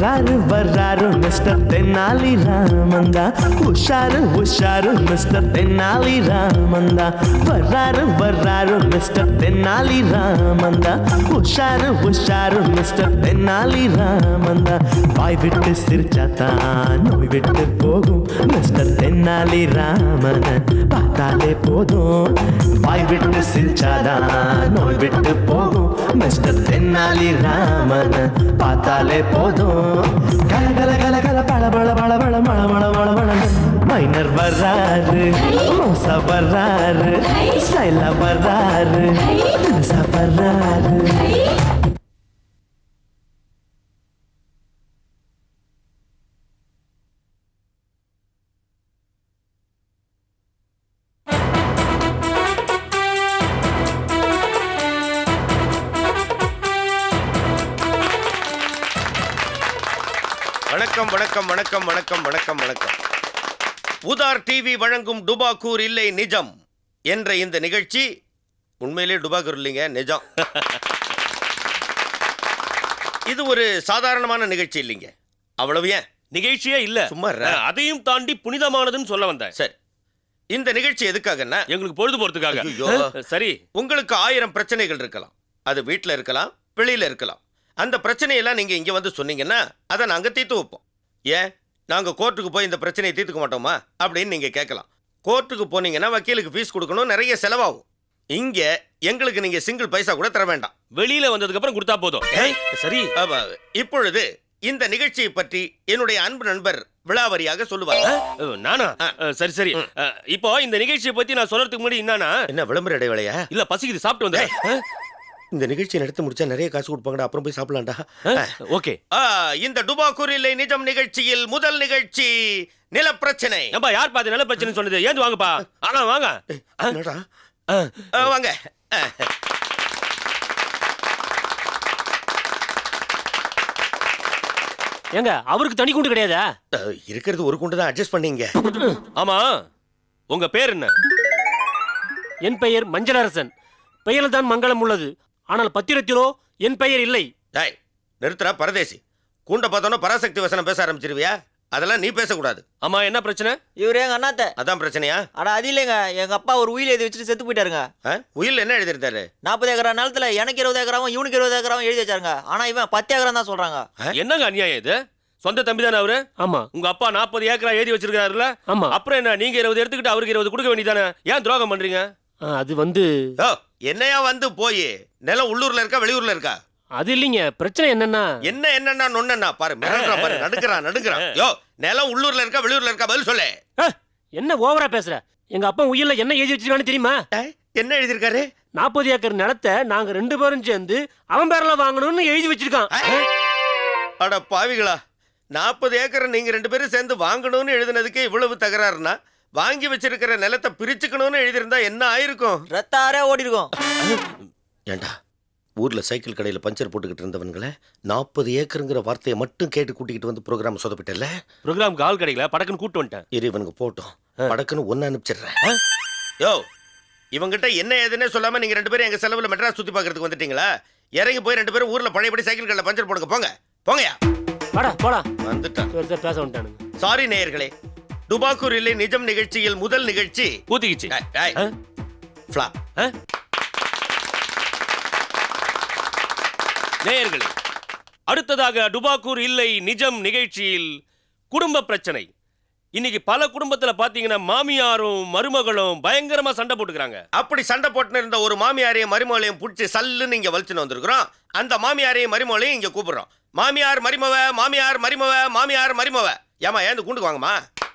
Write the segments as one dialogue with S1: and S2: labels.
S1: வர்றாரு வர்றாரு மிஸ்டர் தென்னாலி ராமந்தா, உஷாரு உஷாரு மிஸ்டர் தென்னாலி ராமந்தா, வர்றாரு வர்றாரு மிஸ்டர் தென்னாலி ராமந்தா, உஷாரு உஷாரு மிஸ்டர் தென்னாலி ராமந்தா. வாய் விட்டு சிரிச்சாத்தான் நோய் விட்டு போகும் மிஸ்டர் தென்னாலி ராமன் பார்த்தாலே போதும். வாய் விட்டு சிரிச்சாதான் நோய் விட்டு போகும் மிஸ்டர் தென்னாலி ராமன் பார்த்தாலே போதும். கல கல கல கல பழ பழ பழ பழ மழ மழ மழ மழ. மைனர் வர்றாரு, மோசா வர்றாரு, ஸ்டைலா வர்றாரு, வர்றாரு.
S2: வணக்கம் வணக்கம் வணக்கம் வணக்கம் வணக்கம் வணக்கம். உதார் டிவி வழங்கும் டுபாக்கூர் இல்லை நிஜம் என்ற இந்த நிகழ்ச்சி உண்மையிலே டுபாக்கூர் இல்லைங்க, நிஜம். இது ஒரு சாதாரணமான நிகழ்ச்சி இல்லைங்க. அவ்வளவு ஏன்
S3: நிகழ்ச்சியே இல்ல,
S2: சும்மா
S3: அதையும் தாண்டி புனிதமானதுன்னு சொல்ல வந்தேன்.
S2: சரி, இந்த நிகழ்ச்சி எதுக்காகன்னா
S3: எங்களுக்கு பொழுது போறதுக்காக. சரி,
S2: உங்களுக்கு 1000 பிரச்சனைகள் இருக்கலாம். அது வீட்டில் இருக்கலாம், வெளியில இருக்கலாம். அந்த பிரச்சனையெல்லாம் நீங்க இங்க வந்து சொன்னீங்கன்னா அதை நாங்க தீர்த்து வைப்போம். ஏன் நாங்க கோர்ட்டுக்கு போய் இந்த பிரச்சனையை தீர்த்துக்க மாட்டோமா அப்படின்னு நீங்க கேட்கலாம். கோர்ட்டுக்கு போனீங்கன்னா வக்கீலுக்கு ஃபீஸ் கொடுக்கணும், நிறைய செலவாகும். இங்க எங்களுக்கு நீங்க சிங்கிள் பைசா கூட தர வேண்டாம்,
S3: வெளியில வந்ததுக்கு அப்புறம் கொடுத்தா போதும். சரி,
S2: இப்பொழுது இந்த நிகழ்ச்சியை பற்றி என்னுடைய அன்பு நண்பர் விளாவரியாக சொல்லுவார்.
S3: நானா? சரி சரி. இப்போ இந்த நிகழ்ச்சியை பத்தி நான் சொல்றதுக்கு முன்னாடி
S2: என்ன விளம்பர இடைவேளையா?
S3: இல்ல, பசிக்குது, சாப்பிட்டு வந்தேன்.
S2: இந்த நிகழ்ச்சியை நடத்தி முடிச்சா நிறைய காசு கொடுப்பாங்கடா, அப்புறம் போய் சாப்பிடலாம்டா.
S3: ஓகே.
S2: இந்த டுபாக்கூர் இல்லை நிஜம் நிகழ்ச்சியில் முதல் நிகழ்ச்சி நிலப்பிரச்சனை.
S3: ஏன்பா யார் பாத்து நிலப்பிரச்சனை சொன்னது? ஏந்து வாங்கப்பா. ஆனா வாங்க.
S2: வாங்க.
S3: ஏங்க அவருக்கு தனி குண்டு கிடையாதா?
S2: இருக்கிறது ஒரு குண்டு தான், அட்ஜஸ்ட் பண்ணீங்க.
S3: ஆமா, உங்க பேர் என்ன? என் பெயர் மஞ்சளரசன். பெயரில் தான் மங்களம் உள்ளது, ஆனால் பத்திரத்திலோ என் பெயர் இல்லை.
S2: நிறுத்துறா பரதேசி. கூண்ட பார்த்தோன்னா பராசக்தி வசனம் பேச ஆரம்பிச்சிருவியா? அதெல்லாம் நீ பேசக்கூடாது.
S3: ஆமா, என்ன பிரச்சனை?
S4: இவரு எங்க அண்ணாத்த.
S2: அதான் பிரச்சனையா?
S4: ஆனா அது இல்லைங்க, எங்க அப்பா ஒரு உயில் எழுதி வச்சுட்டு செத்து போயிட்டாருங்க.
S2: உயில் என்ன எழுதிருந்தாரு?
S4: 40 ஏக்கரா நிலத்துல எனக்கு 20 ஏக்கராவும் இவனுக்கு 20 ஏக்கராவும் எழுதி வச்சாருங்க. ஆனா இவன் 10 ஏக்கரம் தான் சொல்றாங்க.
S3: என்னங்க அநியாயம் இது? சொந்த தம்பி தானே அவரு? ஆமா. உங்க அப்பா 40 ஏக்கரா எழுதி வச்சிருக்காருல்ல? ஆமா. அப்புறம் என்ன, நீங்க 20 எடுத்துக்கிட்டு அவருக்கு 20 கொடுக்க வேண்டியதானே? ஏன் துரோகம் பண்றீங்க? அது வந்து
S2: என்னையா வந்து போய் நிலம் உள்ளூர்ல இருக்கா வெளியூர்ல இருக்கா?
S3: அது இல்லைங்க, பிரச்சனை என்னன்னா
S2: என்னன்னா நொன்னா பாரு, மிரண்டா பாரு, நடுக்குறான். யோ, நிலம் உள்ளூர்ல இருக்கா வெளியூர்ல இருக்கா? பதில் சொல்லு.
S3: என்ன ஓவரா பேசுற? எங்க அப்பா உயிர்ல என்ன எழுதி வச்சிருக்கான்னு தெரியுமா?
S2: என்ன எழுதிருக்காரு?
S3: 40 ஏக்கர் நிலத்தை நாங்க 2 பேரும் சேர்ந்து அவன் பேர்ல வாங்கணும்னு எழுதி வச்சிருக்கான்.
S2: அட பாவிகளா, 40 ஏக்கர் நீங்க 2 பேரும் சேர்ந்து வாங்கணும்னு எழுதினதுக்கு இவ்வளவு தகராறுனா, வாங்கி வச்சிருக்கிற நிலத்தை பிரிச்சுக்கணும்னு எழுதியிருந்தா என்ன ஆயிருக்கும்?
S4: ரத்தாரே ஓடி இருக்கும்.
S2: ஏண்டா, ஊர்ல சைக்கிள் கடையில பஞ்சர் போட்டுக்கிட்டு இருந்தவன்களை 40 ஏக்கருங்கிற வார்த்தையை மட்டும் கேட்டு கூட்டிக்கிட்டு வந்து ப்ரோக்ராம் சொதப்பிட்டல.
S3: ப்ரோக்ராம் கால் கிடைக்கல, படக்குன்னு கூட்டு வந்துட்டேன்.
S2: இவனுக்கு போட்டோம், படக்குன்னு ஒன்னு அனுப்பிச்சிடுறேன். யோ, இவங்கிட்ட என்ன ஏதுன்னே சொல்லாம நீங்க 2 பேரும் எங்க செலவுல மெட்ராஸ் சுத்தி பாக்குறதுக்கு வந்துட்டீங்களா? இறங்கி போய் 2 பேரும் ஊர்ல பழையபடி சைக்கிள் கடையில பஞ்சர் போடுங்க. போங்கயா.
S3: போடா.
S2: வந்துட்டான்,
S3: பேச வந்துட்டானுங்க.
S2: சாரி நேயர்களே, டுபாக்கூர் இல்லை நிஜம் நிகழ்ச்சியில் முதல் நிகழ்ச்சி
S3: பூத்திக்கிச்சு. நேயர்களே, அடுத்ததாக டுபாக்கூர் இல்லை நிஜம் நிகழ்ச்சியில் குடும்ப பிரச்சனை. இன்னைக்கு பல குடும்பத்துல பாத்தீங்கன்னா மாமியாரும் மருமகளும் பயங்கரமா சண்டை போட்டுக்கிறாங்க.
S2: அப்படி சண்டை போட்டுன்னு இருந்த ஒரு மாமியாரையும் மருமகளையும் பிடிச்சி சல்லுன்னு இங்க வலிச்சுன்னு வந்திருக்கிறோம். அந்த மாமியாரையும் மருமகளையும் இங்க கூப்பிடுறோம். மாமியார் மருமவ, மாமியார் மருமவ, மாமியார் மருமவ. ஏமா ஏந்து கூண்டுக்கு வாங்கம்மா.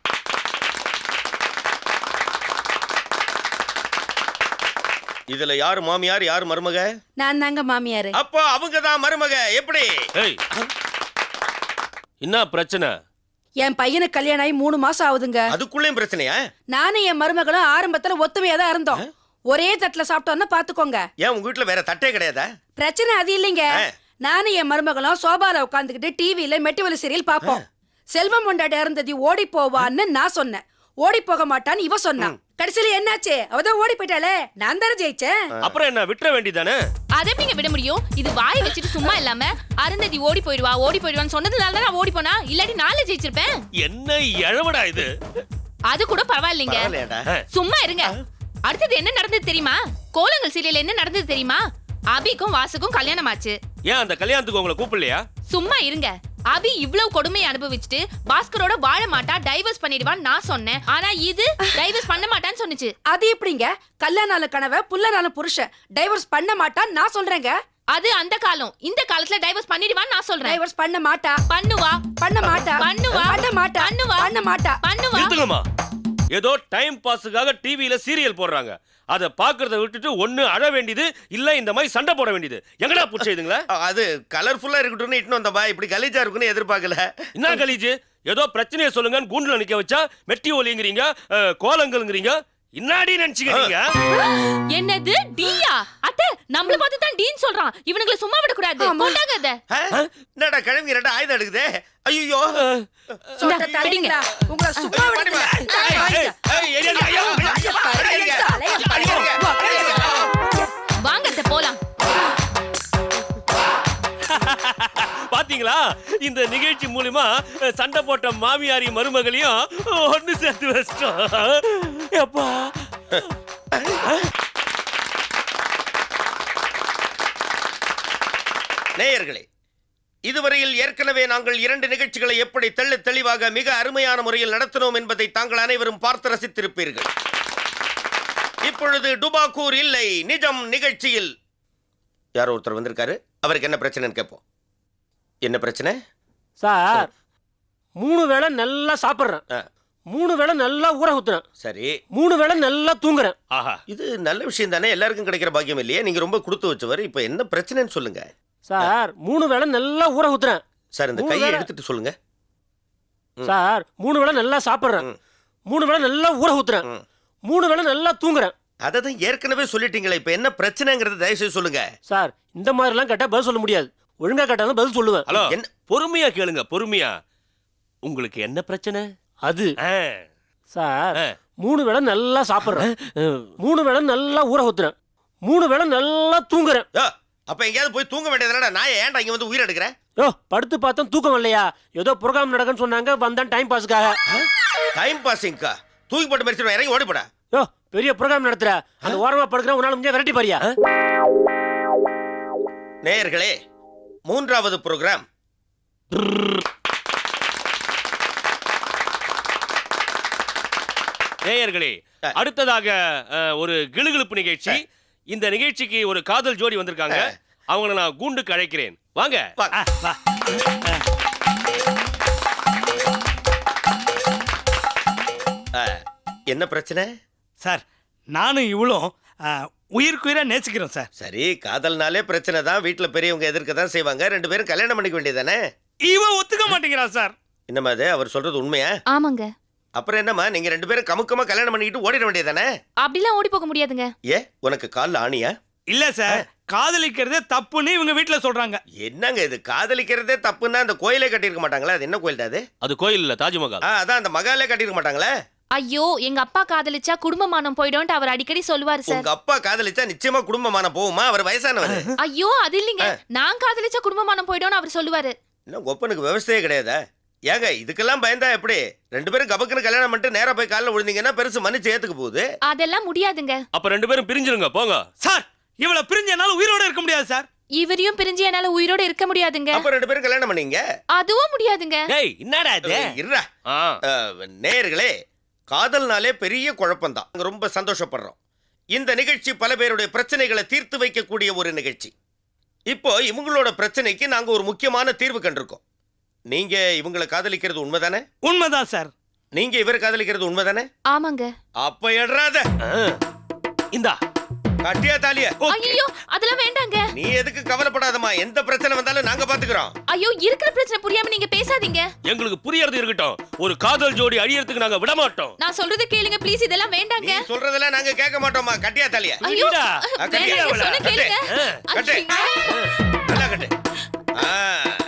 S2: இதுல யாரு மாமியார் யாரு மருமக?
S5: நான் தாங்க மாமியாரு.
S2: அப்போ அவங்க தான் மருமக. எப்படி?
S3: என்ன பிரச்சனை?
S5: என் பையனுக்கு கல்யாணம் ஆகி 3 மாசம் ஆகுதுங்க.
S2: அதுக்குள்ளேயும் பிரச்சனையா?
S5: நானும் என் மருமகளும் ஆரம்பத்துல ஒத்துமையா தான் இருந்தோம். ஒரே தட்டுல சாப்பிட்டோம்னா பாத்துக்கோங்க.
S2: ஏன் உங்க வீட்டுல வேற தட்டே கிடையாதா?
S5: பிரச்சனை அது இல்லைங்க. நானும் என் மருமகளும் சோபால உட்காந்துக்கிட்டு டிவியில மெட்டிவலி சீரியல் பாப்போம். செல்வம் கொண்டாடி இருந்தது ஓடி போவான்னு நான் சொன்னேன். ஓடி போக மாட்டான்னு இவ சொன்னா. கடைசியில என்னாச்சு? அவதான் ஓடி போயிட்டாளே, நான் தானே ஜெயிச்சேன்.
S3: அப்புறம் என்ன விட்டுற வேண்டியதானே?
S6: அதை எப்படிங்க விட முடியும்? இது வாய் வச்சுட்டு சும்மா இல்லாம அருந்ததி ஓடி போயிடுவான்னு சொன்னதுனால தான் நான் ஓடி போனா, இல்லாட்டி நாளே ஜெயிச்சிருப்பேன்.
S3: என்ன எழவடா இது?
S6: அது கூட பரவாயில்லைங்க.
S2: பரவாயில்லையாடா?
S6: சும்மா இருங்க. அடுத்தது என்ன நடந்தது தெரியுமா? கோலங்கள் சீரியல் என்ன நடந்தது தெரியுமா? அபிக்கும் வாசுக்கும் கல்யாணம் ஆச்சு.
S3: ஏன் அந்த கல்யாணத்துக்கு உங்களை கூப்பிடலையா?
S6: சும்மா இருங்க. அபி இவ்வளவு கொடுமையை அனுபவிச்சுட்டு பாஸ்கரோட வாழ மாட்டா, டைவர்ஸ் பண்ணிடுவான்னு நான் சொன்னேன். ஆனா இது டைவர்ஸ் பண்ண மாட்டான்னு சொன்னுச்சு.
S5: அது எப்படிங்க? கல்யாணால கனவை புல்லனால புருஷன் டைவர்ஸ் பண்ண மாட்டான்னு நான் சொல்றேங்க.
S6: அது அந்த காலம். இந்த காலத்துல டைவர்ஸ் பண்ணிடுவான்னு நான் சொல்றேன்.
S5: டைவர்ஸ் பண்ண மாட்டா.
S6: பண்ணுவா.
S5: பண்ண மாட்டா.
S6: பண்ணுவா.
S5: பண்ண மாட்டா.
S6: பண்ணுவா.
S5: பண்ண மாட்டா.
S6: பண்ணுவா.
S3: நிறுத்துங்கம்மா. ஏதோ டைம் பாஸுக்காக டிவியில சீரியல் போடுறாங்க. அதை பாக்குறத விட்டுட்டு ஒண்ணு அழ வேண்டியது, இல்ல இந்த மாதிரி சண்டை போட வேண்டியது. எங்கடா புடிச்சதுங்களா?
S2: அது கலர்ஃபுல்லா இருக்கட்டும்னு இட்டுன்னு வந்தப்பா, இப்படி கலீஜா இருக்குன்னு எதிர்பார்க்கல.
S3: என்ன கலீஜு? ஏதோ பிரச்சனையை சொல்லுங்கன்னு கூண்டுல நிக்க வச்சா மெட்டி ஒலிங்கிறீங்க, கோலங்கள்ங்கிறீங்க. இன்னாடி நினைச்சுக்க நீங்க?
S6: என்னது டியா? அத்தை நம்மள பார்த்து தான் டீன் சொல்றான். இவனுங்களை சும்மா விட கூடாது. போட்டாங்க அத.
S2: என்னடா கிழவி ரெண்டா ஆயுதம் எடுக்குதே? ஐயோ
S5: சொந்த தடிங்களா? உங்களை சும்மா விடுங்க.
S6: வாங்க அத்தை போலாம்.
S3: பாத்தீங்களா? இந்த நிகழ்ச்சி மூலமா சண்டை போட்ட மாமியாரி மருமகளையும் ஒண்ணு சேர்த்து வச்சிட்டோம். அப்பா
S2: நேயர்களே, இதுவரையில் ஏற்கனவே நாங்கள் 2 நிகழ்ச்சிகளை எப்படி தெளிவாக மிக அருமையான முறையில் நடத்தினோம் என்பதை தாங்கள் அனைவரும் பார்த்து ரசித்திருப்பீர்கள். இப்பொழுது டுபாக்கூர் இல்லை நிஜம் நிகழ்ச்சியில் யாரோ ஒருத்தர் வந்திருக்காரு. அவருக்கு என்ன பிரச்சனைன்னு கேட்போம். என்ன பிரச்சனை
S7: சார்? 3 வேளை நல்லா சாப்பிட்றேன், 3 வேளை நல்லா ஊற ஊத்துறேன்,
S2: சரி
S7: 3 வேளை நல்லா தூங்குறேன்.
S3: ஆஹா,
S2: இது நல்ல விஷயம் தானே, எல்லாருக்கும் கிடைக்கிற பாக்கியம் இல்லையே. நீங்க ரொம்ப கொடுத்து வச்சவர். இப்ப என்ன பிரச்சனைன்னு சொல்லுங்க
S7: சார். 3 வேளை நல்லா ஊற ஊத்துறேன்
S2: சார். இந்த கையை எடுத்துட்டு சொல்லுங்க
S7: சார். 3 வேளை நல்லா சாப்பிட்றேன், 3 வேளை நல்லா ஊற ஊத்துறேன், 3 வேளை நல்லா தூங்குறேன்.
S2: அதை தான் ஏற்கனவே சொல்லிட்டீங்களே. இப்ப என்ன பிரச்சனைங்கிறத தயவுசெய்து சொல்லுங்க
S7: சார். இந்த மாதிரிலாம் கேட்டா பதில் சொல்ல முடியாது. ஒழுங்கா கேட்டாலும் பதில் சொல்லுவேன்.
S3: ஹலோ,
S2: என்ன?
S3: பொறுமையா கேளுங்க, பொறுமையா. உங்களுக்கு என்ன பிரச்சனை?
S7: அது
S3: ஆ,
S7: சார் 3 வேளை நல்லா சாப்பிட்றேன், 3 வேளை நல்லா ஊற ஊத்துறேன், 3 வேளை நல்லா தூங்குறேன்.
S2: அப்ப எங்கேயாவது போய் தூங்க வேண்டியதுனா நான் ஏன்டா இங்க வந்து உயிர் எடுக்கிறேன்?
S7: யோ, படுத்து பார்த்தோம் தூக்கம் இல்லையா? ஏதோ ப்ரோக்ராம் நடக்குன்னு சொன்னாங்க, வந்தேன் டைம் பாஸுக்காக.
S2: டைம் பாசிங்கா? தூக்கி போட்டு மறிச்சிடுவேன், இறங்கி ஓடி போடா.
S7: யோ, பெரிய ப்ரோக்ராம் நடத்துற, அந்த ஓரமா படுக்கிற உன்னால முடிஞ்சா விரட்டி பாரியா?
S2: நேயர்களே, 3வது ப்ரோக்ராம்
S3: நேயர்களே, அடுத்ததாக ஒரு கிளுகிளுப்பு நிகழ்ச்சி. இந்த நிகழ்ச்சிக்கு ஒரு காதல் ஜோடி வந்திருக்காங்க. அவங்கள நான் கூண்டுக்கு அழைக்கிறேன். வாங்க.
S2: என்ன பிரச்சனை
S8: சார்? நானும் இவளும் உயிருக்குயிரா நேசிக்கிறோம் சார்.
S2: சரி, காதல்னாலே பிரச்சனை தான். வீட்டுல பெரியவங்க எதிர்க்க தான் செய்வாங்க. 2 பேரும் கல்யாணம் பண்ணிக்க வேண்டியதானே?
S8: இவன் ஒத்துக்க மாட்டேங்கிறான் சார்.
S2: என்னம்மா அது? அவர் சொல்றது உண்மையா?
S6: ஆமாங்க.
S2: அப்புறம் என்னம்மா, நீங்க 2 பேரும் கமுக்கமா கல்யாணம் பண்ணிக்கிட்டு ஓடிட வேண்டியதானே?
S6: அப்படிலாம் ஓடி போக முடியாதுங்க.
S2: ஏ, உனக்கு கால்ல ஆணியா?
S8: இல்ல சார், காதலிக்கிறதே தப்புன்னு இவங்க வீட்டுல சொல்றாங்க.
S2: என்னங்க இது? காதலிக்கிறதே தப்புன்னா அந்த கோயிலே கட்டியிருக்க மாட்டாங்களா? அது என்ன கோயில் அது?
S3: அது கோயில் இல்ல, தாஜ்மஹால்.
S2: அதான் அந்த மகாலே கட்டியிருக்க மாட்டாங்களே.
S6: ஐயோ, எங்க அப்பா காதலிச்சா குடும்பமானம் போய்டும்னு அவர் அடிக்கடி சொல்லுவாரு சார்.
S2: உங்க அப்பா காதலிச்சா நிச்சயமா குடும்பமான போகுமா? அவர் வயசானவர்.
S6: ஐயோ, அது இல்லைங்க. நான் காதலிச்சா குடும்பமானம் போய்டும்னு அவர் சொல்லுவாரு.
S2: இன்னும் ஒப்பனுக்கு விவசாயே கிடையாதா? ஏங்க, இதுக்கெல்லாம் பயந்தா எப்படி? 2 பேரும் கபக்குன்னு கல்யாணம் பண்ணிட்டு நேரா போய் காலைல விழுந்தீங்கன்னா பெருசு மன்னிச்சு ஏத்துக்க போகுது.
S6: அதெல்லாம் முடியாதுங்க.
S3: அப்ப 2 பேரும் பிரிஞ்சிருங்க, போங்க.
S8: சார், இவள பிரிஞ்ச என்னால உயிரோட இருக்க முடியாது சார்.
S6: இவரையும் பிரிஞ்சு என்னால உயிரோட இருக்க முடியாதுங்க.
S2: அப்ப 2 பேரும் கல்யாணம் பண்ணீங்க.
S6: அதுவும் முடியாதுங்க.
S3: டேய், என்னடா இது?
S2: இருடா. நேயர்களே, காதல்னாலே பெரிய குழப்பம்தான். நாங்க ரொம்ப சந்தோஷப்படுறோம். இந்த நிகழ்ச்சி பல பேருடைய பிரச்சனைகளை தீர்த்து வைக்கக்கூடிய ஒரு நிகழ்ச்சி. இப்போ இவங்களோட பிரச்சனைக்கு நாங்க ஒரு முக்கியமான தீர்வு கண்டிருக்கோம். நீங்க இவங்களை காதலிக்கிறது உண்மைதானே?
S8: உண்மைதான் சார்.
S2: நீங்க இவரை காதலிக்கிறது உண்மைதானே?
S6: ஆமாங்க.
S2: அப்ப எட்றாத.
S3: இந்தா
S2: கட்டியா தாலியா?
S6: ஐயோ, அதெல்லாம் வேண்டாங்க.
S2: நீ எதுக்கு கவலைப்படாதம்மா. எந்த பிரச்சனை வந்தாலும் நாங்க பாத்துக்கிறோம்.
S6: ஐயோ, இருக்கிற பிரச்சனை புரியாம நீங்க பேசாதீங்க.
S3: எங்களுக்கு புரியறது இருக்கட்டும். ஒரு காதல் ஜோடி அழியறதுக்கு நாங்க விட மாட்டோம்.
S6: நான் சொல்றத கேளுங்க ப்ளீஸ். இதெல்லாம் வேண்டாங்க.
S2: நீ சொல்றதெல்லாம் நாங்க கேட்க மாட்டோம்மா. கட்டியா தாலியா?
S6: ஐயோ,
S3: இல்லடா.
S6: வேண்டாங்க, சொன்ன கேளுங்க.
S2: கட்டு.
S6: ஐயோ.
S2: நல்லா கட்டு.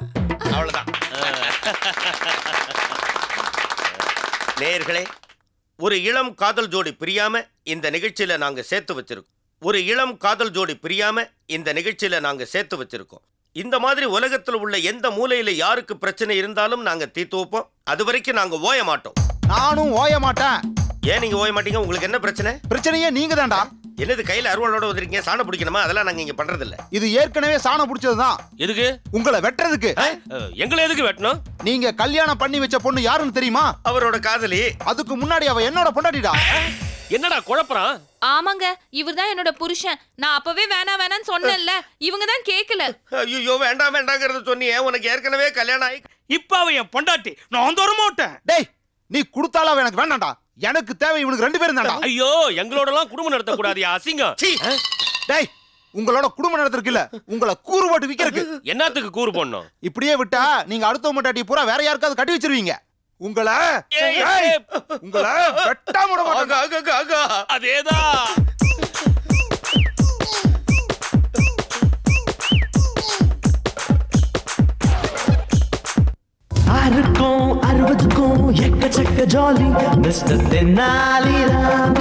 S2: அவ்வளவுதான். நேயர்களே, ஒரு இளம் காதல் ஜோடி பிரியாம இந்த நிகழ்ச்சியில நாங்க சேர்த்து வச்சிருக்கோம். ஒரு இளம் காதல் ஜோடி பிரியாம இந்த நிகழ்ச்சியில நாங்க சேர்த்து வச்சிருக்கோம். இந்த மாதிரி உலகத்தில் உள்ள எந்த மூலையில யாருக்கு பிரச்சனை இருந்தாலும் நாங்க தீர்த்து வைப்போம். அது வரைக்கும் நாங்க ஓய மாட்டோம்.
S9: நானும் ஓய மாட்டேன்.
S2: ஏன் நீங்க ஓய மாட்டீங்க? உங்களுக்கு என்ன பிரச்சனை?
S9: பிரச்சனையே நீங்க தான்டா.
S2: என்னது கையில அருவாளோட வந்திருக்கீங்க? சாணம் பிடிக்கணுமா? அதெல்லாம் நாங்க இங்க பண்றது இல்ல.
S9: இது ஏற்கனவே சாணம் பிடிச்சதுதான்.
S3: எதுக்கு?
S9: உங்களை வெட்டுறதுக்கு.
S3: எங்களை எதுக்கு வெட்டணும்?
S9: நீங்க கல்யாணம் பண்ணி வச்ச பொண்ணு யாருன்னு தெரியுமா?
S2: அவரோட காதலி.
S9: அதுக்கு முன்னாடி அவ என்னோட பொண்டாட்டிடா.
S3: என்னடா குழப்பறான்?
S6: ஆமாங்க, இவர்தான் என்னோட புருஷன். நான் அப்பவே வேணான்னு சொன்னேன்ல, இவங்க தான் கேக்கல.
S2: ஐயோ வேண்டாம் வேண்டாங்கிறத சொன்னியே. உனக்கு ஏற்கனவே கல்யாணம் ஆகி
S8: இப்ப அவன் என் பொண்டாட்டி, நான் தர மாட்டேன்.
S9: டேய், நீ கொடுத்தாலும் அவ எனக்கு வேண்டாம்டா. எனக்கு தேவை இவனுக்கு 2 பேரும் தான்டா.
S3: ஐயோ, எங்களோட எல்லாம் குடும்பம் நடத்த கூடாதியா, அசிங்கம்.
S9: டேய், உங்களோட குடும்பம் நடத்துறதுக்கு இல்ல, உங்களை கூறு போட்டு விக்கிறதுக்கு.
S3: என்னத்துக்கு கூறு போடணும்? இப்படியே
S9: விட்டா நீங்க அடுத்த பொண்டாட்டி பூரா வேற யாருக்காவது கட்டி வச்சிருவீங்க. உங்களை வெட்டாம விட மாட்டேன்.
S3: அதேதான்.
S1: ஆறுக்கும் 60க்கும் எக்கச்சக்க ஜாலி மிஸ்டர் தென்னாலிராம்.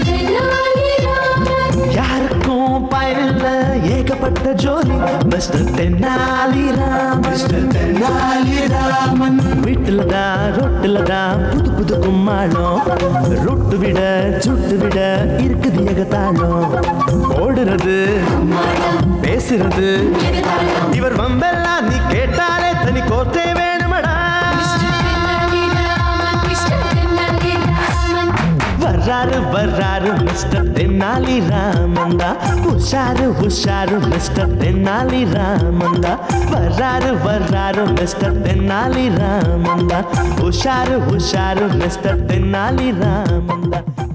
S1: யாருக்கும் பயனில்ல ஏகப்பட்ட ஜோலி மிஸ்டர் தென்னாலிராம். மிஸ்டர் தென்னாலிராமன். வீட்டுல தான் ரொட்டுல தான் புது புது கும்மாளம். ரொட்டு விட சுட்டு விட இருக்குது ஏகத்தாளம். ஓடுறது பேசுறது இவர் வம்பெல்லாம் நீ கேட்டாலே தனி கோர்த்தே வேணுமடா. வர்றாரு மிஸ்டர் தென்னாலி ராமந்தா. உஷாரு மிஸ்டர் தென்னாலி ராமந்தா. வர்றாரு மிஸ்டர் தென்னாலி ராமந்தா. உஷாரு மிஸ்டர் தென்னாலி ராமந்தா.